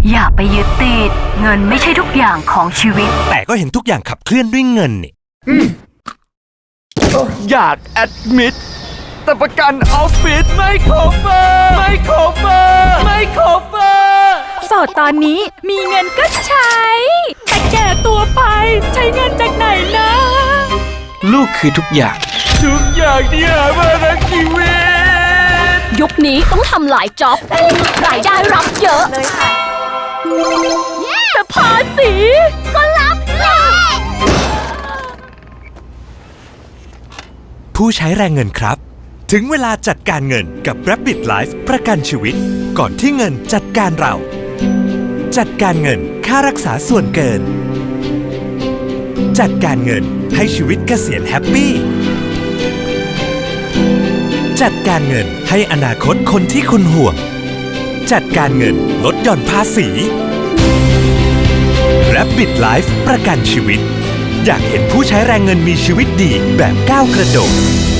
อย่าไปยึดติดเงินไม่ใช่ทุกอย่างของชีวิตแต่ก็เห็นทุกอย่างขับเคลื่อนด้วยเงินนี่อยากแอดมิดแต่ประกันออฟฟิศไม่ครบไม่ครบไม่ครบโสดตอนนี้มีเงินก็ใช้ แต่แก่ตัวไปใช้เงินจากไหนนะลูกคือทุกอย่างที่หามาทั้งชีวิตยุคนี้ต้องทำหลายจ็อบรายได้รับเยอะเลยค่ะแต่ภาษีก็รับแหละผู้ใช้แรงเงินครับถึงเวลาจัดการเงินกับ Rabbit Life ประกันชีวิตก่อนที่เงินจัดการเราจัดการเงินค่ารักษาส่วนเกินจัดการเงินให้ชีวิตเกษียณแฮปปี้จัดการเงินให้อนาคตคนที่คุณห่วงจัดการเงินลดหย่อนภาษี Rabbit Life ประกันชีวิตอยากเห็นผู้ใช้แรงเงินมีชีวิตดีแบบก้าวกระโดด